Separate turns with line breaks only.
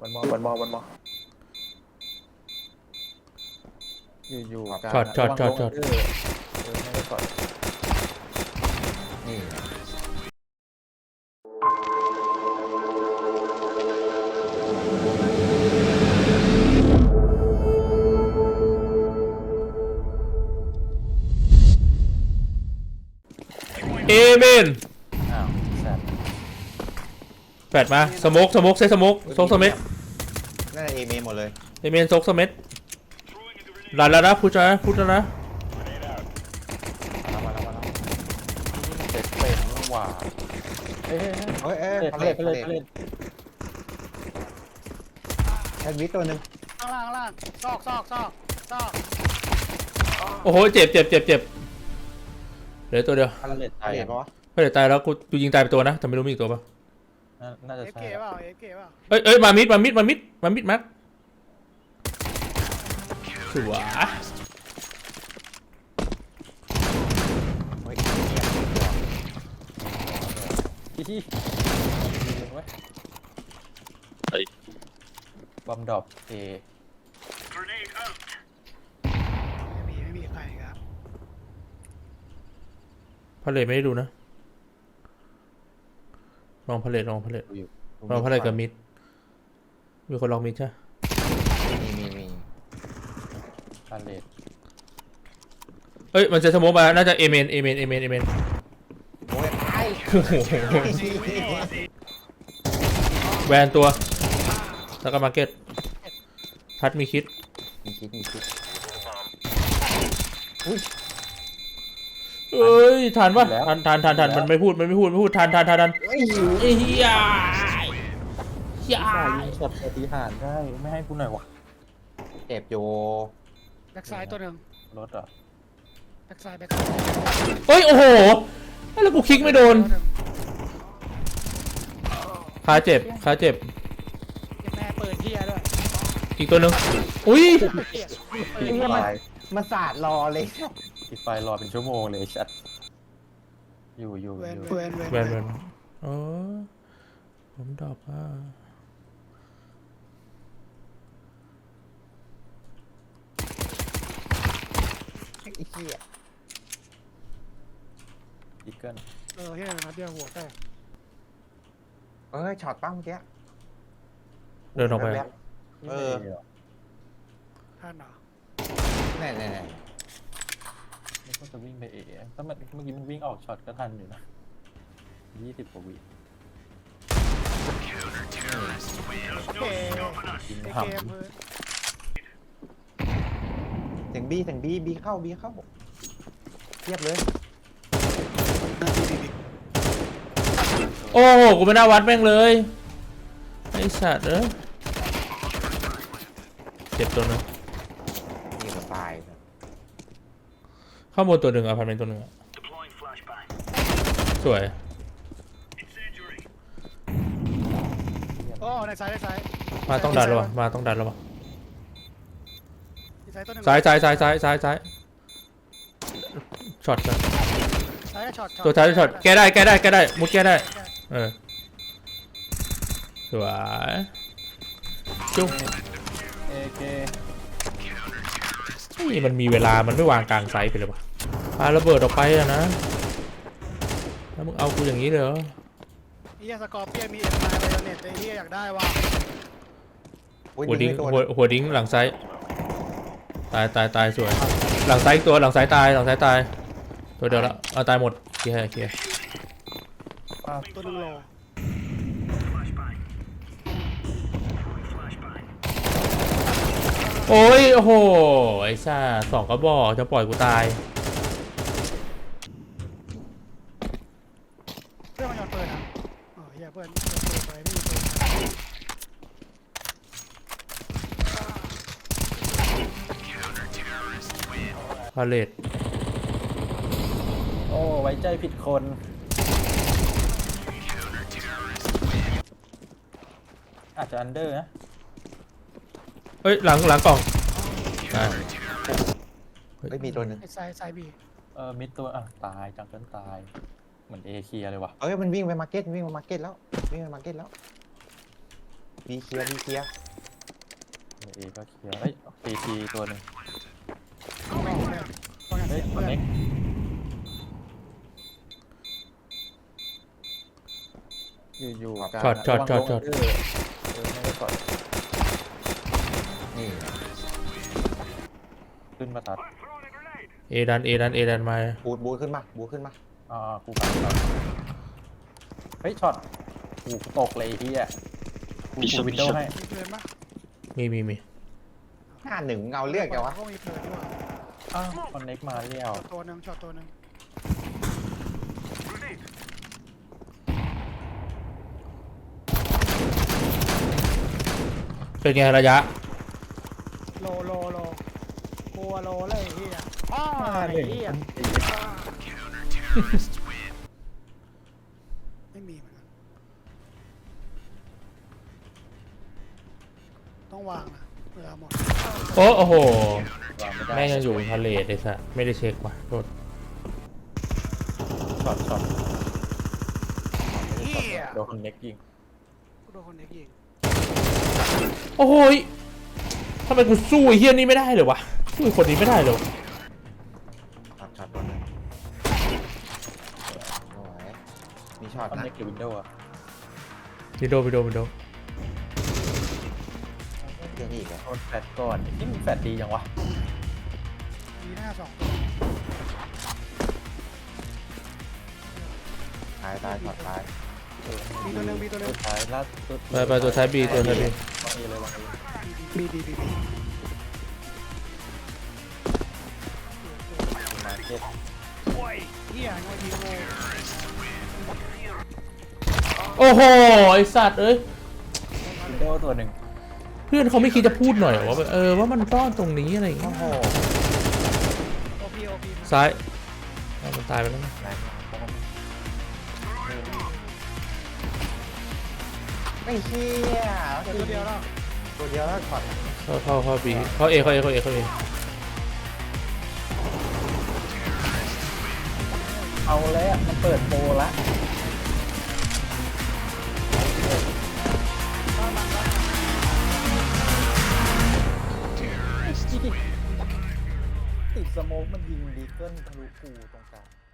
วันมอ
อยู่
ช็อต
ไม่ได้ก่อนนี่
เอเมน
อ้าวแซด
แฟดมาสโมกเซตสโมกซกสเม็ด
น่าจะเอเมหมดเลย
เอเมนซกสเม็ดหลันแล้วนะพูดแล้วนะ
มาแล้วเป็นหว่าเฮ้ย
พาเลทแอดวิทตัวหนึ่ง
ข้างล่างซอก
โอ้โหเจ็บเหลือตัวเดียว
พาเลต
พาเลทปะวะ
ไม่เดี๋ยวตายแล้วกูยิงตายไปตัวนะแต่ไม่รู้มีอีกตัวปะ
น่าจะ
เอฟ
ใช่
เก๋เปล่าเอฟเก๋เปล่า
เอ้ยมามิดมัดสวย
เฮ้ย
ที่บอมดรอปเอ
ไม่มีใครครับ
พาเลทไม่ได้ดูนะลองพาเลทกับมิดมีคนลองมิดใช่
มี
พาเลต
เอ้ยมันจะสโมกมาน่าจะเอเมน
โอ้ยตาย
โอ้โหแวนตัวแล้วก็มาร์เก็ตทัดมีคิด
มีคิด
เอ้ยทันปะทันมันไม่พูดทัน
เฮ้ย
ไอ้เหี้ย
ยิงช็อตปฏิหารได้ไม่ให้กูหน่อยวะ
เจ็บอยู่
แบ็กซ้ายตัวหนึ่ง
รถอ่ะ
แบ็กซ้าย
เฮ้ยโอ้โหแล้วกูคลิกไม่โดนขาเจ็บ
เก็บแม่เปิดเที่ยด้วย
อีกตัวหนึ่งอุ้ย
มาสาดรอเลย
ปิดไฟรอเป็นชั่วโมงเลยชัดอยู่
เวน
แวนอ๋อผมดอกอ่ะ
ไอ้เหี้ย
อีเกิล
เฮียนัดเดียวหัวแตก
ช็อตปั้งเมื่อกี้
เดินออกไป
ท่านเหรอ
แน่
ไม่ก็จะวิ่งไปเอถ้ามันเมื่อกี้มันวิ่งออกช็อตก็ทันอยู่นะ20 กว่าวิ
เก๋
ยิง
เก
ท
มเพื่อ
เสียงบีเข้าเทียบเลย
โอ้โหกูไม่น่าวัดแม่งเลยไอ้สัตว์เจ็บตัวหนึง
นี่ก็ตาย
ข้างบนตัวหนึ่งอพาร์ตเมนต์ตัวหนึ่งสวย
โอ้ในซ้าย
มาต้องดันแล้ววะมาต้องดันแล้ววะ
ในซ้ายตัวหนึ่ง
ซ้ายช็อตนะ
ซ้ายช็อต
ตัวท้ายช็อตแก้ได้มุดแก้ได้สวยจุ๊บ
ำเอเค
นี่มันมีเวลามันไม่วางกลางไซส์ไปเลยวะปาระเบิดออกไปอะนะแล้วมึงเอากูอย่างนี้เลยเหรอ
เฮียสกอร์เปียมีเอ็มไอไบโอเน็ตไอ้เฮียอยากได้ว่ะ
หัวดิ้งหลังซ้ายตายสวยหลังซ้ายอีกตัวหลังซ้ายตายตัวเดียวละเอาตายหมดเคลียร์
ตัวหนึ่งโล
โอ้ยโอ้โหไอ้ซ่า2 กระบอกจะปล่อยกูตาย
เพื่อนมันยอนเปิดอ่ะเฮียเพื่อนเปิดไปไม่มีเปิด
พาเลต
โอ้ไว้ใจผิดคนอาจจะอันเดอร์นะ
เฮ้ยหลังกล่องอ่ะ
ไม่มีตัวหนึ่ง
ไอ้ซ้ายบี
มิดตัวตายจังเกิลตายเหมือนเอเคียเลยวะ
มันวิ่งไปมาร์เก็ตแล้วบีเคลียร์บีเคลียร์
เอก็เคลียร์เอ้ยเอทีตัวหนึ่ง
ต้องแบ่งเลยต้องอย่าง
เฮ้ย
เสีย
คอน
เพื่อน
เน็ก อยู่กลาง
ช็อต
ระวังโดนไม่ได้ก่อน
นี่
ขึ้นมาตัด
เอดันมา
บูทขึ้นมาบูทขึ้นมา
กูกลางช็อตเฮ้ยช็อตกูตกเลยไอ้เฮียกูวินโดว์ให้
มีเพลินปะ
มี
51เงาเลือกแกวะ
ก็มีเพลินด้วย
อ้าวคอนเน็กมาเรียว
ตัวหนึ่งช็อตตัวหนึ่ง
เป็นไงระยะ
โลกลัวโลเลยไอ้เหี้ยอ้าวไอ้เหี้ยไม่มีเหมือนกันต้องวางนะเวลาหมด
โอ้โห
วางไม่ได้
แม่งยังอยู่ทะเลเลยสัสไม่ได้เช็คว่ะโทษ
ช็อต
เหี้ย
โดนคอนเน็กยิง
กูโดนคนเด็กยิง
โอ้โหยทำไมกูสู้ไอ้เฮี้ยนี่ไม่ได้เลยวะสู้ไอ้คนนี้ไม่ได้เลย
ช็อตตัวนึงโอ้ยมีช็อต
คอน
นะ
เน็กกับวินโดว์อะ
วิดีโอ
เรื่องนี้อีกอะ
โดนแฟดก่อนนี่มึงแฟดดีจังวะ
มีหน้าสองตัว
ตายช็อตตาย
มีตัวหนึ่ง
ตัวท้ายล่าสุด
ไปตัวท้ายบีตัวท้ายบี
วางเอเลยวางเอ
บี
มาเก็ต
โอ้ยเหี้ยงอยยิงโง่
โอ้โหไอสัตว์เอ้ย
วินโดว์ตัวหนึ่ง
เพื่อนเขาไม่คิดจะพูดหน่อยเหรอว่าว่ามันซ่อนตรงนี้อะไรอย่างเงี้
โอ้
ย
โห
โอพี
ซ้ายเอามันตายไปแล้วนะ
แรงไม่เชี่ย
ตัวเดียวแล้ว
ตัวเดียวแล้วช็อต
เข้าบีเข้าเอ
เอาแล้วมันเปิดโปรละติดสโมกมันยิงดีเกิลทะลุกูตรงกลาง